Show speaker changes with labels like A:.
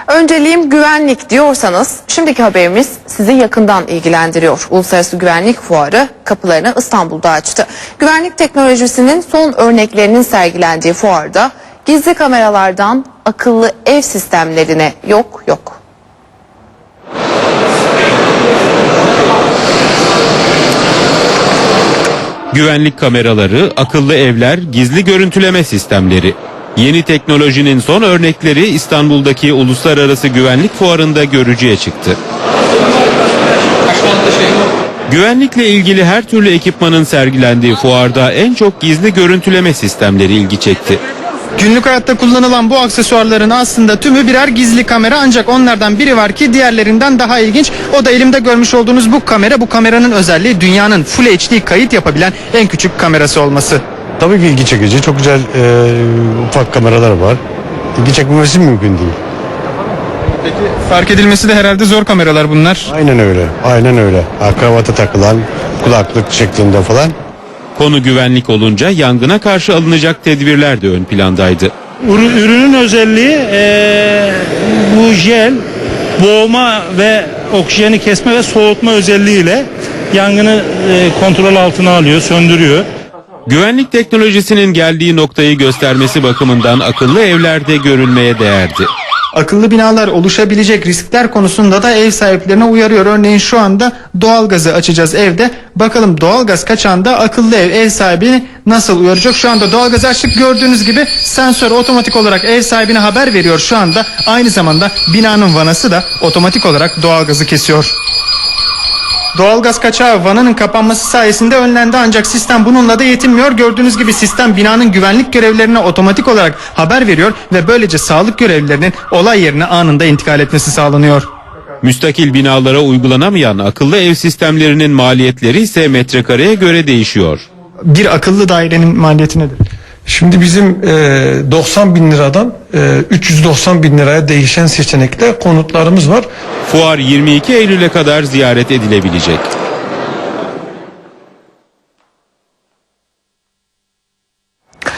A: Önceliğim güvenlik diyorsanız şimdiki haberimiz sizi yakından ilgilendiriyor. Uluslararası Güvenlik Fuarı kapılarını İstanbul'da açtı. Güvenlik teknolojisinin son örneklerinin sergilendiği fuarda gizli kameralardan akıllı ev sistemlerine yok.
B: Güvenlik kameraları, akıllı evler, gizli görüntüleme sistemleri. Yeni teknolojinin son örnekleri İstanbul'daki Uluslararası Güvenlik Fuarı'nda görücüye çıktı. Güvenlikle ilgili her türlü ekipmanın sergilendiği fuarda en çok gizli görüntüleme sistemleri ilgi çekti.
C: Günlük hayatta kullanılan bu aksesuarların aslında tümü birer gizli kamera, ancak onlardan biri var ki diğerlerinden daha ilginç. O da elimde görmüş olduğunuz bu kamera. Bu kameranın özelliği dünyanın Full HD kayıt yapabilen en küçük kamerası olması.
D: Tabii ki ilgi çekici. Çok güzel ufak kameralar var. İlgi çekmemesi mümkün değil.
C: Peki fark edilmesi de herhalde zor kameralar bunlar.
D: Aynen öyle. Aynen öyle. Kravata takılan kulaklık şeklinde falan.
B: Konu güvenlik olunca yangına karşı alınacak tedbirler de ön plandaydı.
E: Ürünün özelliği bu jel boğma ve oksijeni kesme ve soğutma özelliğiyle yangını kontrol altına alıyor, söndürüyor.
B: Güvenlik teknolojisinin geldiği noktayı göstermesi bakımından akıllı evlerde görülmeye değerdi.
C: Akıllı binalar oluşabilecek riskler konusunda da ev sahiplerine uyarıyor. Örneğin şu anda doğalgazı açacağız evde. Bakalım doğalgaz kaçağında akıllı ev sahibini nasıl uyaracak? Şu anda doğalgazı açtık, gördüğünüz gibi sensör otomatik olarak ev sahibine haber veriyor şu anda. Aynı zamanda binanın vanası da otomatik olarak doğalgazı kesiyor. Doğalgaz kaçağı vananın kapanması sayesinde önlendi, ancak sistem bununla da yetinmiyor. Gördüğünüz gibi sistem binanın güvenlik görevlilerine otomatik olarak haber veriyor ve böylece sağlık görevlilerinin olay yerine anında intikal etmesi sağlanıyor.
B: Müstakil binalara uygulanamayan akıllı ev sistemlerinin maliyetleri ise metrekareye göre değişiyor.
C: Bir akıllı dairenin maliyeti nedir?
F: Şimdi bizim 90 bin liradan 390 bin liraya değişen seçenekle konutlarımız var.
B: Fuar 22 Eylül'e kadar ziyaret edilebilecek.